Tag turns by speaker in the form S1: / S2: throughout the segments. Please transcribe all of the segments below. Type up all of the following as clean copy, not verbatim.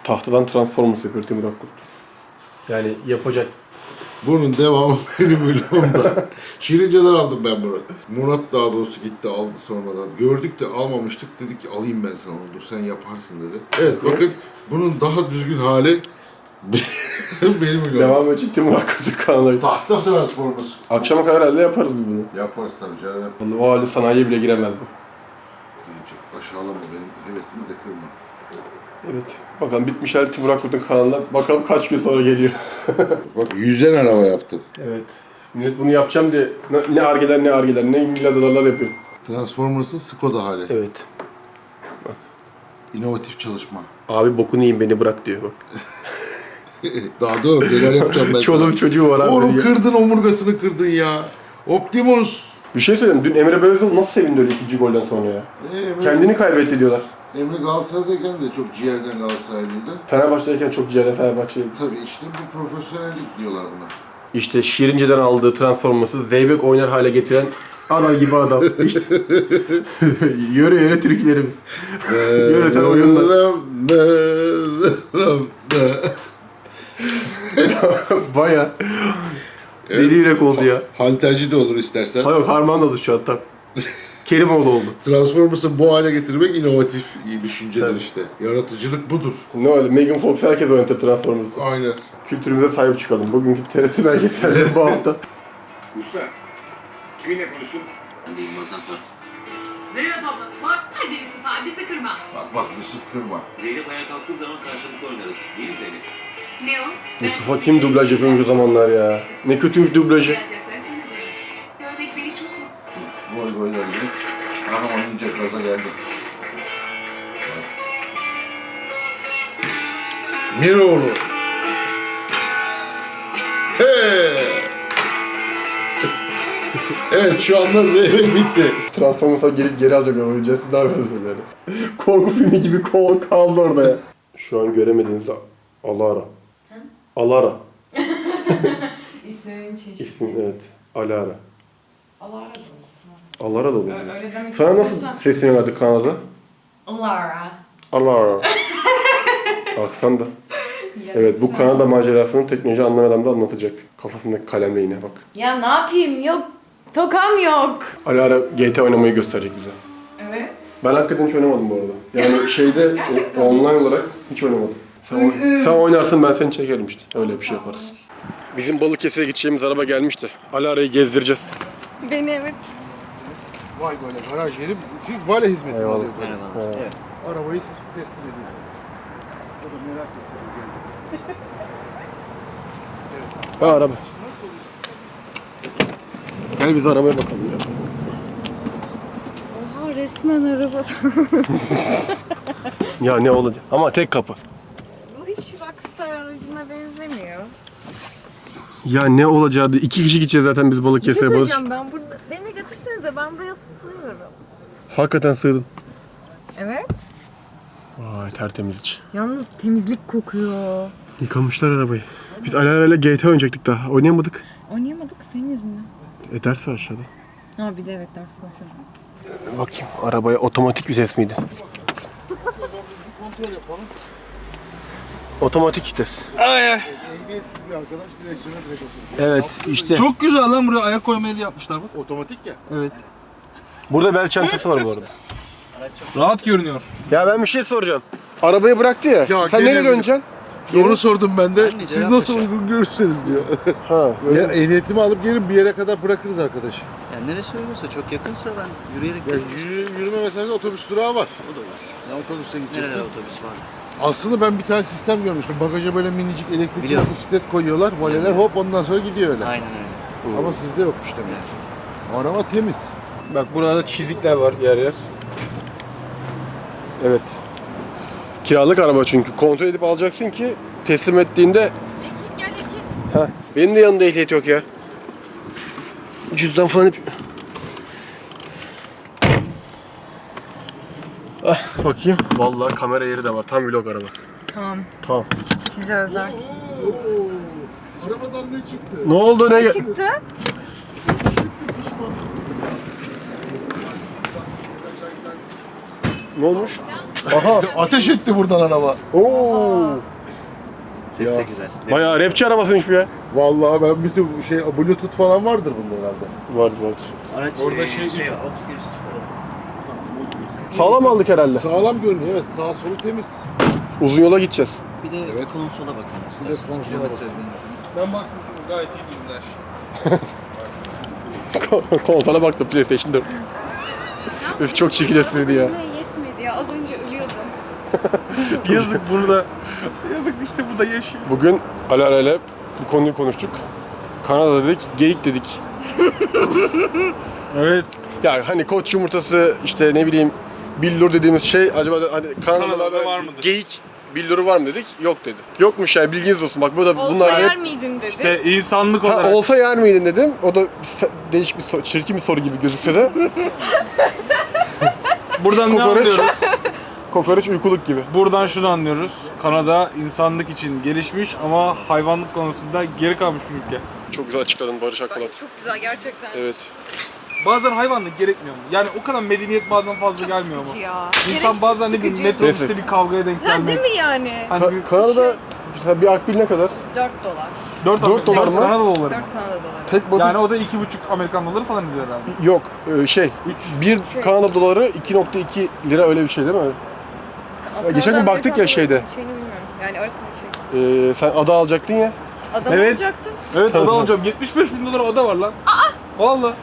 S1: Tahtadan Transformers yapıyor Timur Akkurt. Yani yapacak.
S2: Bunun devamı benim vlogumda. Şirince'den aldım ben bunu. Murat daha doğrusu gitti aldı sonradan. Gördük de almamıştık. Dedik ki alayım ben sana onu. Dur sen yaparsın dedi. Evet bakın bunun daha düzgün hali benim vlogum.
S1: Devamı için Timur Akkurt'un kanalı.
S2: Tahta Transformers.
S1: Akşama kadar herhalde yaparız biz bunu.
S2: Yaparız tabii canım.
S1: Vallahi o halde sanayiye bile giremezdim.
S2: Aşağılama benim hevesimi de kırma.
S1: Evet. Bakalım bitmiş halde Timur Akkurt'un kanalına. Bakalım kaç gün sonra geliyor.
S2: Bak 100'den araba yaptım.
S1: Evet. Millet bunu yapacağım diye ne argeler ne milyar dolarlar yapıyor.
S2: Transformers'ın Skoda hali.
S1: Evet.
S2: İnovatif çalışma.
S1: Abi bokunu yiyin beni bırak diyor bak.
S2: Daha dur neler yapacağım ben sana.
S1: Çoluğum çocuğu var abi.
S2: Oğlum kırdın omurgasını kırdın ya. Optimus.
S1: Bir şey söyleyeyim. Dün Emre Belözoğlu nasıl sevindi öyle ikinci golden sonra ya? Kendini kaybetti diyorlar.
S2: Emre Galatasaray'dayken de çok ciğerden Galatasaraylıydı.
S1: Fenerbahçe'deyken çok ciğerden Fenerbahçe'ydi.
S2: Tabii işte bu profesyonellik diyorlar buna.
S1: İşte Şirince'den aldığı Transformers'ı Zeybek oynar hale getiren ana gibi adam. İşte. Yöre yöre Türklerimiz. Yöresel oyunlar. Baya deli yürek oldu ya.
S2: Halterci de olur istersen.
S1: Hayır Harman oldu şu an tam. Kerimoğlu oldu.
S2: Transformers'ı bu hale getirmek inovatif iyi düşünceler
S1: Tabii.
S2: işte. Yaratıcılık budur.
S1: Ne öyle Megan Fox herkes oynatır Transformers'ı.
S2: Aynen.
S1: Kültürümüze sahip çıkalım. Bugünkü TRT belgeselleri bu hafta.
S3: Usta, kiminle konuştun?
S4: Ben değilim Mazaffer.
S5: Zeynep abla bak.
S6: Hadi Yusuf abi sıkırma.
S2: Bak Yusuf kırma.
S4: Zeynep ayağa kalktığı zaman karşılıklı oynarız. Değil mi Zeynep?
S6: Ne o?
S1: Mustafa kim dublaj yapıyormuş o zamanlar ya. Ne kötüymüş dublajı.
S6: Biraz yaklaşsana bana. Görmek beni çok mutlu.
S2: Gol gol öldü. Aha oynayınca gaza geldi. Miroğlu. Hey! Evet şu anda Zeynep bitti.
S1: Transformers'a geri alacaklar oyuncağı. Siz ne yapıyorsunuz yani? Korku filmi gibi kaldı orada ya. Şu an göremediğinizde Alara. Alara.
S7: İsminin çeşidi.
S1: İsmi evet. Alara.
S7: Alara da
S1: Alara da olur.
S7: öyle demek
S1: Sana nasıl
S7: istiyorsan.
S1: sesini verdi Kanada?
S7: Alara.
S1: Alara. Aksan da. Evet bu Kanada macerasını teknoloji anlayan adam da anlatacak. Kafasındaki kalemle yine bak.
S7: Ya ne yapayım, yok. Tokam yok.
S1: Alara GT oynamayı gösterecek bize.
S7: Evet.
S1: Ben hakikaten hiç oynamadım bu arada. Yani şeyde
S7: Gerçekten.
S1: online olarak hiç oynamadım. Sen oynarsın ben seni çekerim işte. Öyle bir şey yaparız. Bizim Balıkesir'e gideceğimiz araba gelmişti. Alara'yı gezdireceğiz.
S7: Beni evet.
S2: Vay böyle garaj yeri. Siz vale hizmeti mi
S1: Eyvallah.
S2: alıyorsunuz?
S4: Merhabalar.
S2: Evet. Arabayı siz teslim ediyorsunuz. O da merak etti. Geldi.
S1: Ha araba. Gel biz arabaya bakalım ya.
S7: Oha resmen araba.
S1: Ya ne olacak? Ama tek kapı.
S7: Bu hiç rockstar aracına benzemiyor.
S1: Ya ne olacağı? 2 kişi gideceğiz zaten biz
S7: Bir şey
S1: Balıkesir'e.
S7: söyleyeceğim, ben burada... Beni götürsenize, ben buraya sığıyorum.
S1: Hakikaten sığdın.
S7: Evet.
S1: Vay tertemiz iç.
S7: Yalnız temizlik kokuyor.
S1: Yıkamışlar arabayı. Biz Alara'yla GT oynayacaktık daha. Oynayamadık.
S7: Oynayamadık senin yüzünden.
S1: Ders var aşağıda.
S7: Ha bir de evet ders başladı.
S1: Bakayım arabaya otomatik vites miydi?
S2: Kontrol yapalım.
S1: Otomatik vites.
S2: Ehliyetsiz bir arkadaş direksiyona direkt oturdu.
S1: Evet işte.
S5: Çok güzel lan buraya ayak koyma yeri yapmışlar bak.
S2: Otomatik ya.
S5: Evet.
S1: Burada bel çantası var bu arada.
S5: Rahat görünüyor.
S1: Ya ben bir şey soracağım. Arabayı bıraktı ya.
S2: Ya
S1: Sen
S2: gene
S1: nereye
S2: mi?
S1: döneceksin?
S2: Onu sordum ben de. Siz
S4: cevap
S2: nasıl
S4: vereceğim.
S2: uygun görürseniz diyor.
S1: Ha.
S2: Ya ehliyetimi alıp gelin bir yere kadar bırakırız arkadaşı.
S4: Yani neresi uygunsa, çok yakınsa ben yürüyerek
S2: Ya
S4: gelirim.
S2: yürüme mesafede otobüs durağı var.
S4: O da olur.
S2: Ya otobüste
S4: Nerelere
S2: gideceksin.
S4: otobüs var?
S2: Aslında ben bir tane sistem görmüştüm. Bagaja böyle minicik elektrikli
S4: Biliyorum.
S2: motosiklet koyuyorlar. Valeler hop ondan sonra gidiyor öyle.
S4: Aynen öyle.
S2: Ama sizde yokmuş demek ki. Araba temiz.
S1: Bak burada çizikler var yer yer. Evet. Kiralık araba çünkü. Kontrol edip alacaksın ki teslim ettiğinde...
S7: Ekin gel Ekin.
S1: Heh, benim de yanımda ehliyet yok ya. Cüzdan falan hep... Ah, bakayım. Vallahi kamera yeri de var. Tam vlog arabası.
S7: Tamam,
S1: Tamam.
S7: size özel.
S2: Arabadan ne çıktı?
S1: Ne oldu ne?
S7: Çıktı.
S1: Ne olmuş?
S7: Yalnız bir
S1: Aha.
S2: Ateş etti buradan araba.
S1: Oo.
S4: Ses
S1: Ya.
S4: de güzel.
S1: Bayağı rapçi arabasıymış bu ya.
S2: Vallahi ben bütün Bluetooth falan vardır bunda herhalde.
S1: Vardı vardı.
S4: Araç
S5: Orada şey-
S4: auto giriş çıkaralım.
S1: Sağlam aldık herhalde.
S2: Sağlam görünüyor, evet. Sağ solu temiz.
S1: Uzun yola gideceğiz.
S4: Bir de
S2: Evet.
S4: konsola bakalım isterseniz.
S2: konsola
S4: Kilometre
S2: bakalım.
S4: benzin.
S5: Ben baktım gayet iyi ürünler.
S1: Konsola baktım PlayStation 4. Üf çok çirkin espriydi ya.
S7: Yetmedi ya. Az önce ölüyordum.
S5: Yazık bunu da. Yazık işte bu da yaşıyor.
S1: Bugün Alara ile bu konuyu konuştuk. Kanada dedik, geyik dedik.
S5: Evet.
S1: Yani hani koç yumurtası işte ne bileyim billur dediğimiz şey acaba da hani
S5: Kanada'da
S1: Kanadalarda
S5: var mıdır?
S1: geyik billuru var mı dedik? Yok dedi. Yokmuş yani bilginiz olsun. Bak bu da
S7: Olsa
S1: bunlar
S7: yer
S1: hep
S7: miydin dedi.
S5: İşte insanlık
S1: ha,
S5: olarak.
S1: olsa yer miydin dedim. O da değişik bir çirkin bir soru gibi gözükse de
S5: Buradan ne
S1: Kokoreç.
S5: anlıyoruz?
S1: kokoreç uykuluk gibi.
S5: Buradan şunu anlıyoruz. Kanada insanlık için gelişmiş ama hayvanlık konusunda geri kalmış bir ülke.
S1: Çok güzel açıkladın Barış Akbulat.
S7: Çok güzel gerçekten.
S1: Evet.
S5: Bazen hayvanlık gerekmiyor mu? Yani o kadar medeniyet bazen fazla
S7: Çok
S5: gelmiyor mu?
S7: sıkıcı ya.
S5: İnsan bazen ne bileyim
S7: Sıkıcı.
S5: metrobüste
S1: Neyse.
S5: bir kavgaya denk
S7: Ha, değil
S5: gelmek.
S7: mi yani?
S5: Hani bir
S1: Kanada'da mesela bir akbil ne kadar?
S7: 4 dolar.
S5: 4
S1: dolar mı?
S5: Kanada doları.
S7: 4 Kanada doları.
S1: Tek basit
S5: Yani o da 2,5 Amerikan doları falan ediyor herhalde.
S1: yok bir Kanada doları 2.2 lira öyle bir şey değil mi? geçen gün baktık ya şeyde.
S7: Şeyini bilmiyorum. Yani arasındaki şey.
S1: Sen ada alacaktın ya.
S7: Adam
S5: Evet.
S7: olacaktın.
S5: Evet
S1: Tabii.
S5: oda alacağım. 75 bin dolara oda var lan. Valla.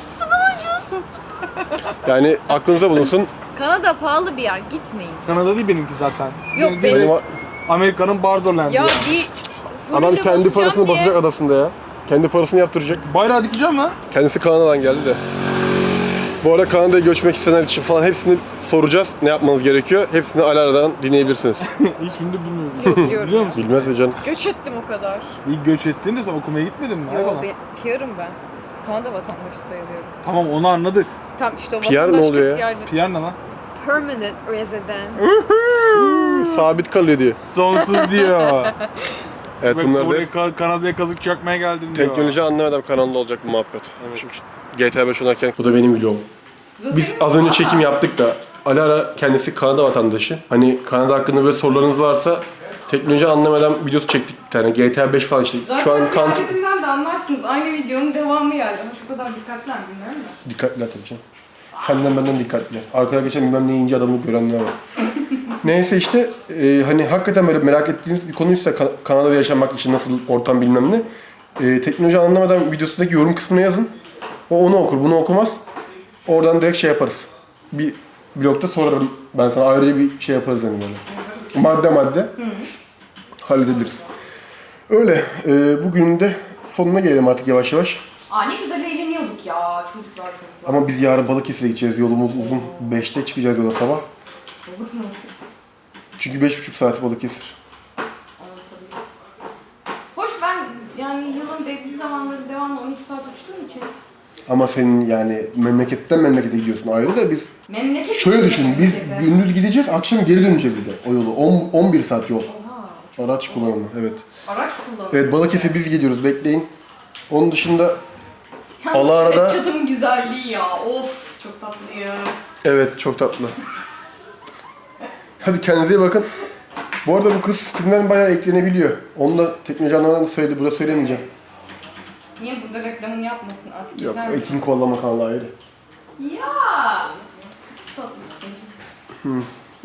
S1: Yani aklınıza bulunsun.
S7: Kanada pahalı bir yer. Gitmeyin.
S5: Kanada değil benimki zaten.
S7: Yok,
S5: Benim
S7: benim-
S1: Benim,
S5: Amerika'nın Barzoland'ı
S7: Ya
S5: ya.
S7: bir
S1: adam
S7: fulle
S1: kendi
S7: basacağım
S1: parasını
S7: diye-
S1: basacak adasında ya. Kendi parasını yaptıracak.
S5: Bayrağı dikeceğim lan.
S1: Kendisi Kanada'dan geldi de. Bu arada Kanada'ya göçmek isteyenler için falan hepsini soracağız. Ne yapmanız gerekiyor? Hepsini Alara'dan dinleyebilirsiniz.
S5: Hiç şimdi bilmiyorum.
S7: Yok, biliyorum
S5: Biliyor
S7: ya.
S5: musun?
S1: Bilmez mi canım?
S7: Göç ettim o kadar.
S5: İlk göç ettiğinde sen okumaya gitmedin mi?
S7: Yo,
S5: Hayvana.
S7: PR'ım ben. Kanada vatandaşı sayılıyorum.
S5: Tamam onu anladık.
S7: Tam işte o
S1: PR ne
S7: vatandaşlık
S1: oluyor ya?
S7: yani.
S5: PR ne lan?
S7: Permanent resident.
S1: Sabit kalıyor diyor.
S5: Sonsuz diyor.
S1: Evet
S5: Bak,
S1: bunlar da
S5: buraya Kanada'ya kazık çakmaya geldim diyor.
S1: teknoloji anlamadan kanalda olacak bu muhabbet.
S5: Evet.
S1: Şimdi GTA 5 oynarken... Bu da benim vlogum. Biz az önce çekim yaptık da Alara kendisi Kanada vatandaşı. Hani Kanada hakkında böyle sorularınız varsa teknoloji anlamadan videosu çektik bir tane. GTA 5 falan işte.
S7: Zaten
S1: Şu an
S7: kıyafetimden de anlarsınız. Aynı videonun devamı geldi. Ama şu kadar dikkatler bilmiyorum da.
S1: dikkatliler tabii canım. Senden benden dikkatliler. Arkada geçen bilmem ne ince adamı görenler var. Neyse işte hani hakikaten böyle merak ettiğiniz bir konuysa Kanada'da yaşamak için nasıl ortam bilmem ne. Teknoloji anlamadan videosundaki yorum kısmına yazın. O onu okur, bunu okumaz. Oradan direkt şey yaparız. Bir blogda sorarım ben sana ayrıca bir şey yaparız yani böyle. Madde madde halledebiliriz. Öyle. Bugünün de sonuna gelelim artık yavaş yavaş.
S7: Aa ne güzel eğleniyorduk ya çocuklar.
S1: Ama biz yarın Balıkesir'e gideceğiz. Yolumuz uzun. 5'te çıkacağız yola sabah.
S7: Balık nasıl?
S1: Çünkü 5,5 saat Balıkesir.
S7: Anlatabilirim. Hoş ben yani yılın belli zamanları devamlı 12 saat uçtuğum için
S1: Ama senin yani memleketten memlekete gidiyorsun ayrı da biz...
S7: memleket
S1: Şöyle
S7: için
S1: düşün, biz
S7: memlekete.
S1: gündüz gideceğiz, akşam geri döneceğiz bir de o yolu. 11 saat yol.
S7: Oha,
S1: Araç kullanımı, evet.
S7: araç kullanıyor.
S1: Evet, Balıkesir biz gidiyoruz, bekleyin. Onun dışında
S7: Yalnız
S1: Allah
S7: şu
S1: arada-
S7: Çatımın güzelliği ya. Of çok tatlı ya.
S1: evet çok tatlı. Hadi kendinize iyi bakın. Bu arada bu kız Steam'den bayağı eklenebiliyor. Onu da teknoloji anlamadan da söyledi, burada söylemeyeceğim.
S7: Niye burada reklamını yapmasın artık
S1: Yok,
S7: yeter mi?
S1: Ekin kollama kanalı ayrı.
S7: Ya. Çok tatlısın.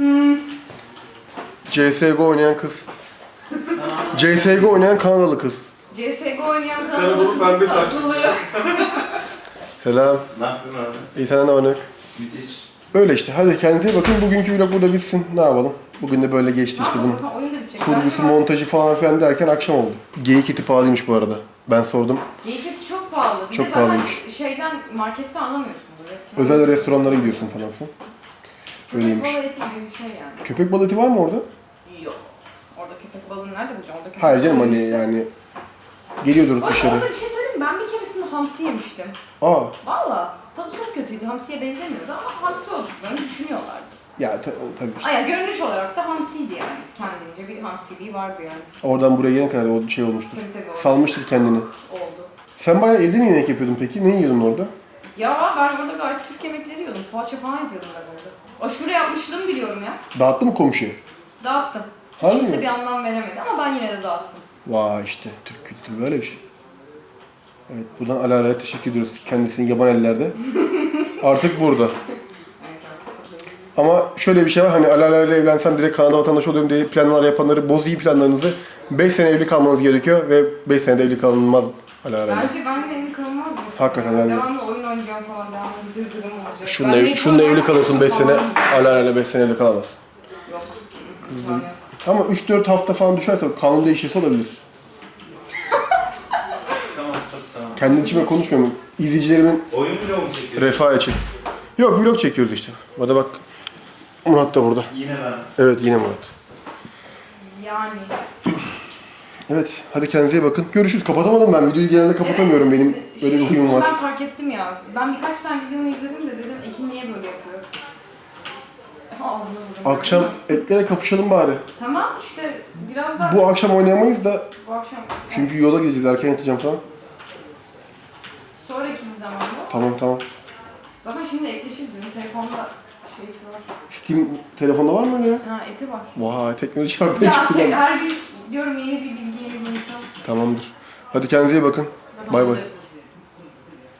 S1: CSGO oynayan kız. CSGO oynayan Kanadalı kız.
S7: CSGO oynayan kanalı
S5: pembe saçlı.
S1: Selam.
S4: Ne yapıyorsun abi?
S1: İyi senden ne var ne yok?
S4: Müthiş.
S1: Öyle işte. Hadi kendinize iyi bakın. Bugünkü vlog burada bitsin. Ne yapalım? Bugün de böyle geçti işte bunun.
S7: Oyun da bitecek.
S1: Kurgusu, montajı falan filan derken akşam oldu. Geyik eti pahalıymış bu arada. Ben sordum.
S7: Geyik eti çok pahalı. Bir
S1: Çok
S7: de zaten
S1: pahalıymış.
S7: şeyden markette anlamıyorsun bu restoran.
S1: Özel restoranlara gidiyorsun falan filan. Öyleymiş.
S7: Köpek balığı eti gibi bir şey yani.
S1: Köpek balığı eti var mı orada?
S7: Yok. Orada köpek balığını nerede bulacağım? Orada köpek
S1: Hayır canım
S7: balığı
S1: hani
S7: ise-
S1: yani geliyordur
S7: Hoş,
S1: dışarı.
S7: orada bir şey söyleyeyim mi? Ben bir keresinde hamsi yemiştim.
S1: Aa
S7: Valla tadı çok kötüydü. Hamsiye benzemiyordu ama hamsi olduklarını düşünüyorlardı.
S1: ya tabii.
S7: Ay görünüş olarak da hamsiydi yani. Kendince bir hamsiliği vardı yani.
S1: Oradan buraya gelene kadar o şey olmuştur.
S7: Tabii, tabii, oldu.
S1: Salmıştır kendini.
S7: Oldu.
S1: Sen bayağı evde mi yemek yapıyordun peki? Ne yiyordun orada?
S7: Ya ben orada gayet Türk yemekleri yiyordum. Poğaça falan yapıyordum ben orada. Aşure yapmışlığımı biliyorum ya.
S1: Dağıttı mı komşuya?
S7: Dağıttım.
S1: Harbi
S7: Kimse
S1: mi?
S7: bir anlam veremedi ama ben yine de dağıttım.
S1: Vay işte Türk kültürü böyle bir şey. Evet buradan Alara'ya teşekkür ediyoruz. Kendisini yaban ellerde. Artık burada. Ama şöyle bir şey var hani Alara ile evlensem direkt Kanada vatandaşı oluyorum diye planlar yapanları boz iyi planlarınızı. 5 sene evli kalmanız gerekiyor ve 5 senede evli kalınmaz Alara ile.
S7: Bence benimle evli kalınmaz mı?
S1: Hakikaten yani.
S7: Devamlı oyun oynayacağım falan, devamlı dırdırım olacak.
S1: Şununla evli kalırsın 5 sene,
S7: Falan diyeceğim.
S1: Alara ile 5 sene evli kalamazsın.
S7: Yok.
S1: Kızdım. Ama 3-4 hafta falan düşerse kanun değişirse olabilir.
S4: Tamam çok sağ ol.
S1: Kendi içime konuşmuyorum. İzleyicilerimin
S4: Oyun vlog mu çekiyorsun?
S1: refahı için. Yok vlog çekiyoruz işte. Hadi bak. Murat da burada.
S4: Yine ben.
S1: Evet yine Murat.
S7: Yani.
S1: Evet hadi kendinize iyi bakın. Görüşürüz. Kapatamadım ben. Videoyu genelde kapatamıyorum. Benim öyle bir huyum var.
S7: Ben fark ettim ya. Ben birkaç tane videonu izledim de dedim Ekin niye böyle yapıyor? Ağzına vurdum.
S1: Akşam etlere kapışalım bari.
S7: Tamam işte biraz daha
S1: Bu akşam oynayamayız da
S7: bu akşam.
S1: çünkü yola gideceğiz. Erken yatacağım falan.
S7: Sonraki bir zamanda.
S1: Tamam.
S7: Zaten şimdi ekleşiriz. Benim telefonda şeysi var.
S1: Steam telefonda var mı öyle ya?
S7: Ha eti var.
S1: Vay teknoloji var. Ben
S7: Ya
S1: çıkacağım.
S7: her gün diyorum yeni bir bilgi, yeni bir insan.
S1: Tamamdır. Hadi kendinize iyi bakın.
S7: Zaten
S1: Bay
S7: onu
S1: bay.
S7: da